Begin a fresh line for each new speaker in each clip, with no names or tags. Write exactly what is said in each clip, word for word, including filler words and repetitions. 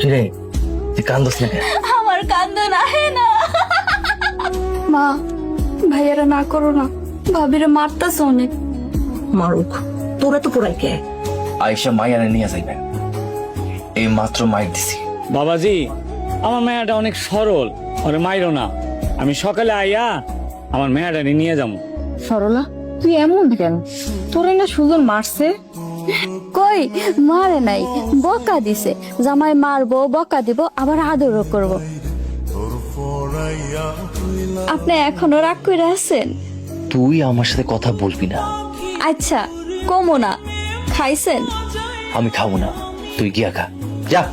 কিরে তুই কান্দস না কেন?
আমার কান্দন আহে না। মা, ভাইয়ারা না করো না, ভাবিরে মারতাছে অনেক।
মারুক, তোরা তো পোড়াই কে?
আয়েশা মাইয়ারে নিয়ে যাইবে, এই মাত্র মাইর দিছি।
বাবাজি, আমার মেয়াটা অনেক সরল, ওরে মাইরো না। আমি সকালে আইয়া আমার মেয়াটা নিয়ে যাবো।
সরলা, তুই এমন কেন? তোরে না সুজন মারছে?
কই মারে নাই, বকা দিছে। জামাই মারবো, বকা দিব, আবার আদরও করব। আপনি এখনো রাগ করে আছেন?
তুই আমার সাথে কথা বলবি না।
আচ্ছা কমো না। খাইছেন?
আমি খাবো না, তুই গিয়া খা, যা।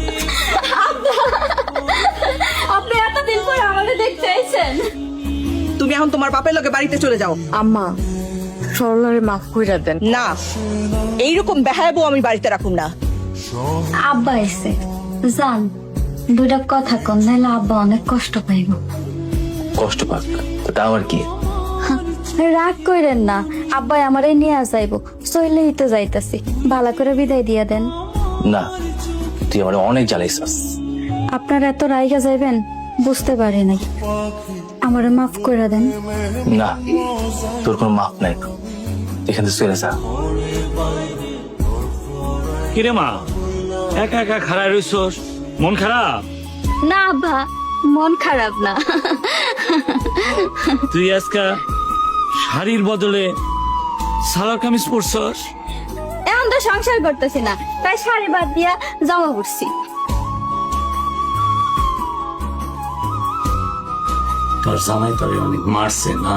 আপনি এতদিন পর আমাদের দেখতে আইছেন।
তুমি এখন তোমার বাপের লগে বাড়িতে চলে যাও।
আম্মা, সরলারে মাফ কইরা দেন।
না, এইরকম বেহায়াবো আমি বাড়িতে রাখুম না।
আব্বা এসে জান, দুটা কথা কম, নাইলে আব্বা অনেক কষ্ট পাইব।
কষ্ট পাক, তা আমার কি?
রাগ কইরেন না, আব্বাই আমারে নিয়ে যাইব। চইলেই তো যাইতাছি, ভালো করে বিদায় দিয়া দেন।
না, তুই আমার অনেক জ্বালাইছাস।
আপনার এত রাইগা যাইবেন বুঝতে পারি নাই, আমারে মাফ করে দেন।
না, তোর কোনো মাপ নাই, এখান থেকে চলে যা।
কিরে মা, একা একা খারাপ রইছস? মন খারাপ?
না আব্বা, মন খারাপ না।
তুই আজকা শাড়ির বদলে সালোয়ার কামিজ পরছস?
এখন তো সংসার করতেছি না, তাই শাড়ি বাদ দিয়া জামা পরছি।
তোর জামাই তোরে অনেক মারছে না?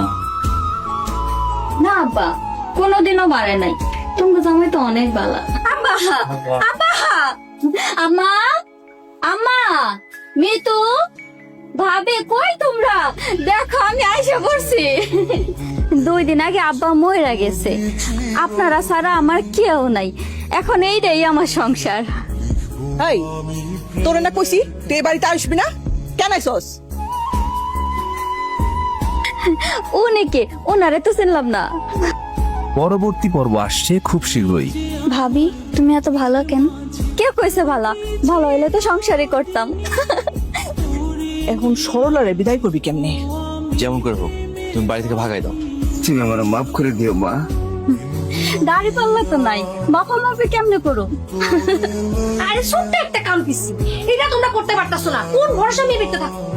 না আব্বা, কোনোদিনও মারে নাই। তোমার জামাই তো অনেক বালা। আব্বা, আব্বা, আম্মা, আম্মা, মিতু, ভাবে কই তোমরা? দেখো আমি আইসা পড়ছি। দুই দিন আগে আব্বা মইরা গেছে, আপনারা ছাড়া আমার কেউ নাই। এখন এইটাই আমার সংসার।
এই, তোরে না কইছি তুই এই বাড়িতে আসবি না? কেন আইছস?
উনিকে, ওনারে তো চিনলাম না।
পরবর্তী পর্ব আসছে খুব শীঘ্রই।
ভাবি, তুমি এত ভালো কেন? কে কইছে ভালো? ভালো হইলে তো সংসারই করতাম।
এখন সরলারে বিদায় করবি কেমনে?
যেমন করে হোক তুমি বাড়ি থেকে ভাগাই দাও।
তুমি আমার মাফ করে দিও মা।
দাড়ি পাল্লা তো নাই, বাবা মাপে কেমনে করো?
আরে ছোট্ট একটা কাম পিছি, এটা তোমরা করতে পারতাছো না। কোন ভরসা নিয়ে বেঁচে থাকো?